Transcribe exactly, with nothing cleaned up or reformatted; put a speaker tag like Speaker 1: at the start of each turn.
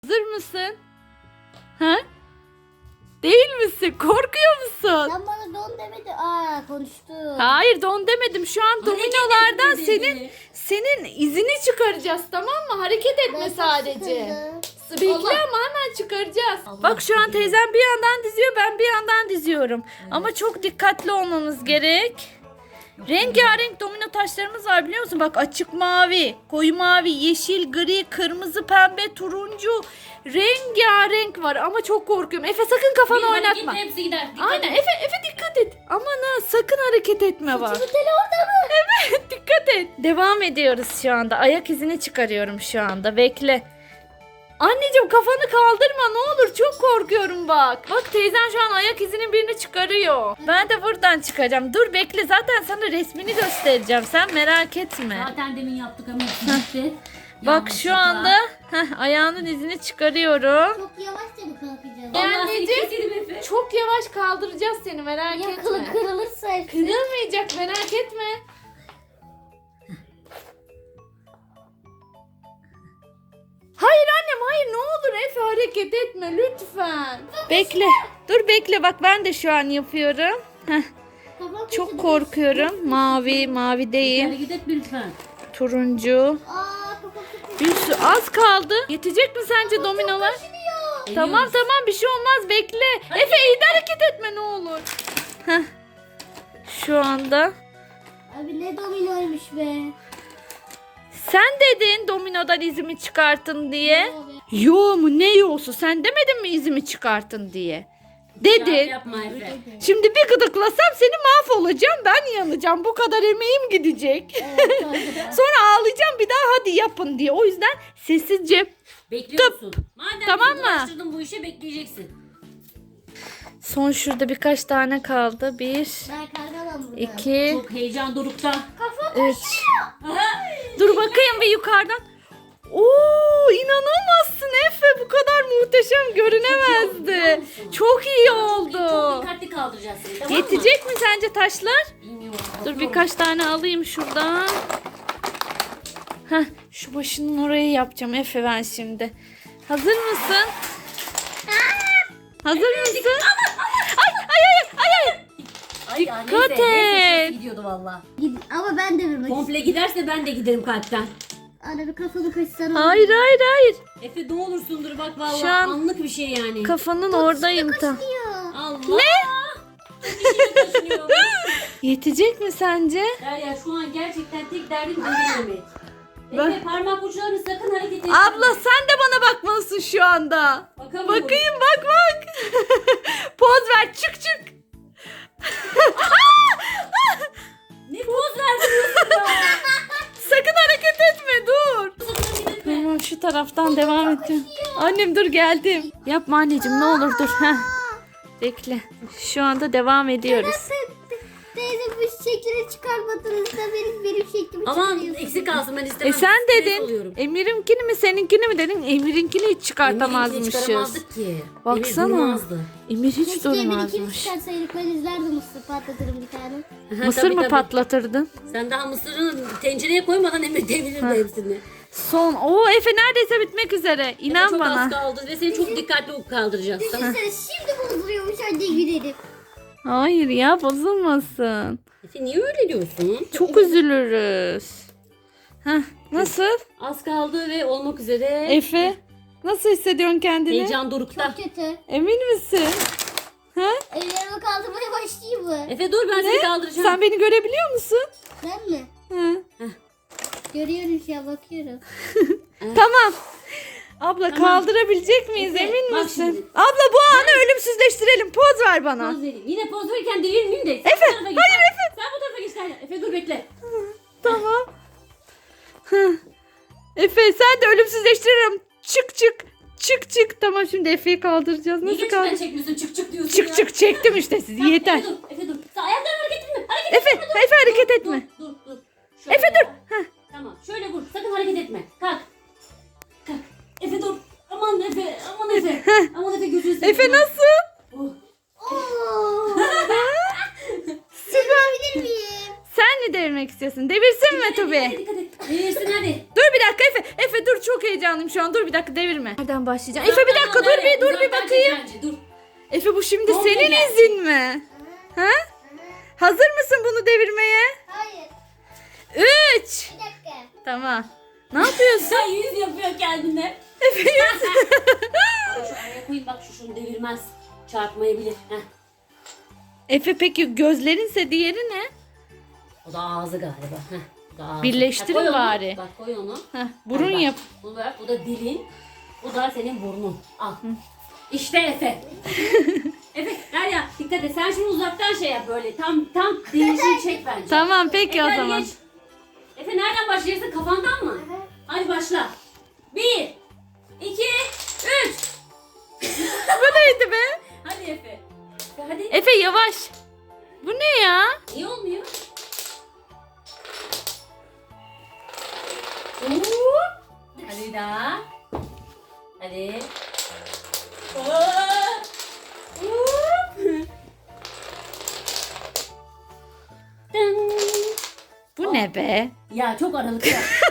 Speaker 1: Hazır mısın? Ha? Değil misin? Korkuyor musun?
Speaker 2: Sen bana don demedin. Aa konuştu.
Speaker 1: Hayır, don demedim. Şu an dominolardan
Speaker 3: Hareket etme
Speaker 1: senin
Speaker 3: dedi.
Speaker 1: senin izini çıkaracağız, tamam mı? Hareket etme
Speaker 2: Ben çok
Speaker 1: sadece.
Speaker 2: sıkıldım.
Speaker 1: Bekle
Speaker 3: Allah.
Speaker 1: ama hemen çıkaracağız.
Speaker 3: Allah
Speaker 1: Bak şu an
Speaker 3: Allah.
Speaker 1: teyzem bir yandan diziyor, ben bir yandan diziyorum. Ama çok dikkatli olmamız gerek. Rengarenk domino taşlarımız var, biliyor musun? Bak, açık mavi, koyu mavi, yeşil, gri, kırmızı, pembe, turuncu. Rengarenk var ama çok korkuyorum. Efe sakın kafanı
Speaker 3: Bir hareket
Speaker 1: oynatma.
Speaker 3: hepsi gider. Dikkat
Speaker 1: Aynen
Speaker 3: et.
Speaker 1: Efe, Efe dikkat et. Aman ha, sakın hareket etme bak.
Speaker 2: Saçımın teli orada mı?
Speaker 1: Evet, dikkat et. Devam ediyoruz şu anda. Ayak izini çıkarıyorum şu anda. Bekle. Anneciğim kafanı kaldırma ne olur, çok korkuyorum bak. Bak teyzen şu an ayak izinin birini çıkarıyor. Ben de buradan çıkacağım. Dur bekle, zaten sana resmini göstereceğim. Sen merak etme.
Speaker 3: Zaten demin yaptık ama hepsi gitti.
Speaker 1: Bak şu
Speaker 3: Yanlışlıkla.
Speaker 1: anda heh, ayağının izini çıkarıyorum.
Speaker 2: Çok yavaşça mı kalkacağız?
Speaker 3: Vallahi seni
Speaker 1: Anneciğim,
Speaker 3: keselim Efe.
Speaker 1: çok yavaş kaldıracağız seni, merak
Speaker 2: Ya
Speaker 1: etme.
Speaker 2: kılı kırılırsa hepsi.
Speaker 1: Kırılmayacak, merak etme. Hayır annem, hayır, ne olur Efe hareket etme lütfen. Bekle. Dur bekle, bak ben de şu an yapıyorum. Heh,
Speaker 2: Kafam
Speaker 1: çok
Speaker 2: kesildi.
Speaker 1: korkuyorum. Mavi, mavi değil.
Speaker 3: Hareket etme lütfen.
Speaker 1: Turuncu.
Speaker 2: Aa kafam kesildi.
Speaker 1: Bir sürü az kaldı. Yetecek mi sence dominolar? Tamam
Speaker 3: Eliyoruz.
Speaker 1: tamam, bir şey olmaz, bekle. Efe iyi de hareket etme ne olur. Heh. Şu anda.
Speaker 2: Abi ne dominoymuş be.
Speaker 1: Sen dedin dominodan izimi çıkartın diye.
Speaker 2: Abi.
Speaker 1: Yo mu ne yosu, sen demedin mi izimi çıkartın diye.
Speaker 3: Yap,
Speaker 1: Dedin.
Speaker 3: yapma Efe.
Speaker 1: Şimdi bir gıdıklasam seni mahvolacağım, ben yanacağım, bu kadar emeğim gidecek.
Speaker 2: Evet, doğru.
Speaker 1: Sonra ağlayacağım bir daha, hadi yapın diye. O yüzden sessizce.
Speaker 3: Bekliyorsun. Madem
Speaker 1: Tamam
Speaker 3: bizi
Speaker 1: mı?
Speaker 3: uğraştırdın bu işe bekleyeceksin.
Speaker 1: Son şurada birkaç tane kaldı. Bir,
Speaker 2: Ben kalkamam burada.
Speaker 1: iki,
Speaker 3: Çok heyecan dorukta.
Speaker 1: üç. Dur bakayım bir yukarıdan. Oo, inanamazsın Efe, bu kadar muhteşem görünemezdi. Çok iyi
Speaker 3: Çok
Speaker 1: oldu.
Speaker 3: dikkatli kaldıracağız seni, tamam mı?
Speaker 1: Yetecek mi sence taşlar?
Speaker 3: Bilmiyorum.
Speaker 1: Dur
Speaker 3: bakıyorum.
Speaker 1: birkaç tane alayım şuradan. Heh, şu başının orayı yapacağım Efe ben şimdi. Hazır mısın? Hazır mısın? Ay ay ay ay ay.
Speaker 3: Ay, ya,
Speaker 1: Dikkat
Speaker 3: neyse, neyse,
Speaker 1: et.
Speaker 3: sesi gidiyordu valla.
Speaker 2: Gid- Ama ben de bir
Speaker 3: Komple giderse ben de giderim kalpten.
Speaker 2: Ana bir kafanı kaçsana.
Speaker 1: Hayır hayır hayır.
Speaker 3: Efe ne olursundur bak valla
Speaker 1: Şu an-
Speaker 3: anlık bir şey yani.
Speaker 1: Kafanın oradayım tam.
Speaker 2: Ya.
Speaker 3: Allah. Ne? Kaçınıyor.
Speaker 1: Yetecek mi sence?
Speaker 3: Derya şu an gerçekten tek derdim ödememek.
Speaker 1: Ben-
Speaker 3: Efe parmak uçlarını sakın hareket etme.
Speaker 1: Abla sen de bana bakmalısın şu anda.
Speaker 3: Bakamıyorum.
Speaker 1: Bakayım bak bak. Poz ver, çık çık.
Speaker 3: Ne poz verdiriyorsun ya?
Speaker 1: Sakın hareket etme, dur.
Speaker 3: Sakın hareket etme.
Speaker 1: Tamam, şu taraftan devam edeceğim. Annem dur, geldim. Yapma anneciğim, ne olur dur. Heh. Bekle. Şu anda devam ediyoruz.
Speaker 2: Teyze bu şekli çıkarmadınız da benim benim şeklimi
Speaker 3: Aman
Speaker 2: çıkarıyorsun.
Speaker 3: eksik kalsın ben istemem.
Speaker 1: E sen
Speaker 3: Stres
Speaker 1: dedin.
Speaker 3: oluyorum.
Speaker 1: Emir'inkini mi seninkini mi dedin? Emir'inkini hiç çıkartamazmışız.
Speaker 3: Eminim çıkaramazdık ki.
Speaker 1: Baksana.
Speaker 3: Emir durmazdı.
Speaker 1: Emir hiç
Speaker 2: Keşke Emir ikimiz
Speaker 1: durmazmış.
Speaker 2: çıkarsaydık ben izlerdim mısır patlatırım bir tane.
Speaker 3: Aha,
Speaker 1: Mısır
Speaker 3: tabii,
Speaker 1: mı
Speaker 3: tabii.
Speaker 1: patlatırdın?
Speaker 3: Sen daha mısırını tencereye koymadan Emir devirirdi hepsini.
Speaker 1: Son. Oo Efe neredeyse bitmek üzere.
Speaker 3: Efe
Speaker 1: İnan
Speaker 3: çok
Speaker 1: bana.
Speaker 3: az kaldı ve seni çok dikkatli kaldıracağız. Tamam.
Speaker 2: Düşünsene şimdi bozuluyormuş anne gülerim.
Speaker 1: Hayır ya, bozulmasın.
Speaker 3: Efe niye öyle diyorsun?
Speaker 1: Çok üzülürüz. Heh, nasıl?
Speaker 3: Az kaldı ve olmak üzere.
Speaker 1: Efe nasıl hissediyorsun kendini?
Speaker 3: Heyecan dorukta.
Speaker 2: Çok kötü.
Speaker 1: Emin misin? Ha?
Speaker 2: Ellerimi kaldırmaya başlayayım mı?
Speaker 3: Efe dur ben seni kaldıracağım.
Speaker 1: Sen beni görebiliyor musun?
Speaker 2: Ben mi?
Speaker 1: Hı.
Speaker 2: Görüyorum şu an bakıyorum.
Speaker 1: Tamam. Abla
Speaker 3: Tamam.
Speaker 1: kaldırabilecek miyiz,
Speaker 3: Efe,
Speaker 1: emin
Speaker 3: bak
Speaker 1: misin?
Speaker 3: şimdi.
Speaker 1: Abla bu anı ölümsüzleştirelim. Poz ver bana.
Speaker 3: Poz vereyim. Yine poz verirken devirmeyeyim de. Sen
Speaker 1: Efe,
Speaker 3: bu tarafa geç.
Speaker 1: hayır
Speaker 3: Sen-
Speaker 1: Efe.
Speaker 3: Sen bu tarafa geç Derya. Efe dur bekle.
Speaker 1: Tamam. Hı. Efe sen de ölümsüzleştiririm. Çık çık. Çık çık. Tamam, şimdi Efe'yi kaldıracağız.
Speaker 3: Niye
Speaker 1: Nasıl
Speaker 3: geçmeden
Speaker 1: kaldır?
Speaker 3: çekmiyorsun? Çık çık diyorsun
Speaker 1: Çık
Speaker 3: ya.
Speaker 1: çık çektim işte sizi.
Speaker 3: Tamam,
Speaker 1: Yeter.
Speaker 3: Efe dur. Efe dur. Sen ayaklarını hareket etme. Hareket
Speaker 1: Efe,
Speaker 3: etme. dur.
Speaker 1: Efe hareket
Speaker 3: Dur,
Speaker 1: etme.
Speaker 3: Dur dur dur. Şöyle
Speaker 1: Efe dur.
Speaker 3: yap. Tamam şöyle vur. Sakın hareket etme. Kalk. Kalk. Efe dur. Aman Efe. Aman Efe. Aman Efe gözünü seveyim.
Speaker 1: Efe nasıl?
Speaker 3: Oh.
Speaker 2: Oo. Sürmeyebilir miyim?
Speaker 1: Sen mi devirmek istiyorsun? Devirsin mi
Speaker 3: Hadi,
Speaker 1: Tobi?
Speaker 3: hadi, dikkat et. Devirsin hadi.
Speaker 1: Dur bir dakika Efe. Efe dur Dur çok heyecanlıyım şu an. Dur bir dakika devirme. Nereden başlayacağım? Efe bir
Speaker 3: Uzaktan
Speaker 1: dakika
Speaker 3: al,
Speaker 1: dur
Speaker 3: nereye?
Speaker 1: bir dur bir
Speaker 3: Uzaktan çek
Speaker 1: bakayım.
Speaker 3: bence, dur.
Speaker 1: Efe bu şimdi
Speaker 3: Komple
Speaker 1: senin
Speaker 3: gelsin.
Speaker 1: izin mi? Ha? Hazır mısın bunu devirmeye?
Speaker 2: Hayır.
Speaker 1: Üç.
Speaker 2: Bir dakika.
Speaker 1: Tamam. Ne yapıyorsun?
Speaker 3: Sen yüz yapıyor kendine.
Speaker 1: Efe yüz.
Speaker 3: Bak şu araya koyayım, bak şu şunu devirmez. Çarpmayabilir. Heh.
Speaker 1: Efe peki gözlerinse diğeri ne?
Speaker 3: O da ağzı galiba. Heh. Bu da ağzı.
Speaker 1: Birleştirin
Speaker 3: Ha, koy onu.
Speaker 1: bari.
Speaker 3: Bak koy onu.
Speaker 1: Heh, burun
Speaker 3: Hadi bak.
Speaker 1: yap.
Speaker 3: Bu da, bu da dilin. Bu da senin burnun. Al. İşte Efe. Efe Derya dikkat et. Sen şimdi uzaktan şey yap böyle. Tam tam değişim çek bence.
Speaker 1: Tamam peki
Speaker 3: Efe,
Speaker 1: o
Speaker 3: hadi
Speaker 1: zaman.
Speaker 3: geç. Efe nereden başlayacaksın? Kafandan mı?
Speaker 2: Aha.
Speaker 3: Hadi başla. Bir, iki, üç.
Speaker 1: Bu neydi be?
Speaker 3: Hadi Efe. Hadi.
Speaker 1: Efe yavaş. Bu ne ya?
Speaker 3: Niye olmuyor? Hop. Hadi daha. Hadi. Hop. Hop. Dın.
Speaker 1: Bu ne be?
Speaker 3: Ya çok aralık ya.